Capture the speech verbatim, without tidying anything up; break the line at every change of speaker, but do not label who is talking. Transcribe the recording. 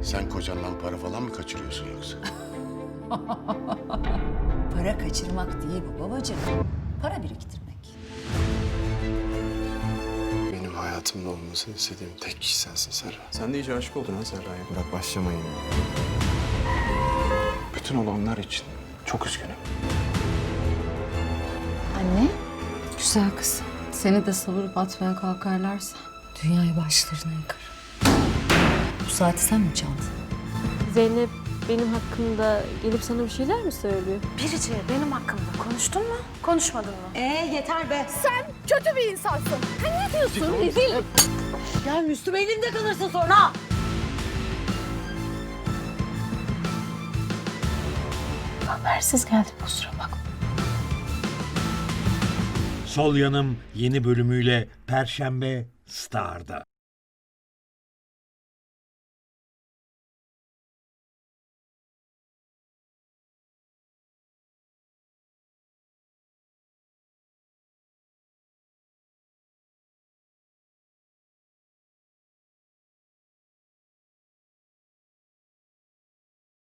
Sen kocandan para falan mı kaçırıyorsun yoksa?
Para kaçırmak değil bu babacığım. Para biriktirmek.
Benim hayatımda olmasını istediğim tek kişi sensin Serra.
Sen de iyice aşık oldun ha Serra'ya.
Bırak başlama yine.
Bütün olanlar için çok üzgünüm.
Anne?
Güzel kız. Seni de savurup atmaya kalkarlarsa dünyayı başlarına yıkar.
Bu saati sen mi çaldın?
Zeynep benim hakkımda gelip sana bir şeyler mi söylüyor?
Birici benim hakkımda konuştun mu? Konuşmadın mı?
Ee yeter be.
Kötü bir insansın. Sen ne diyorsun? Rezil.
Ya Müslüm elimde kalırsın sonra.
Habersiz geldim kusura bakma.
Sol Yanım yeni bölümüyle Perşembe Star'da.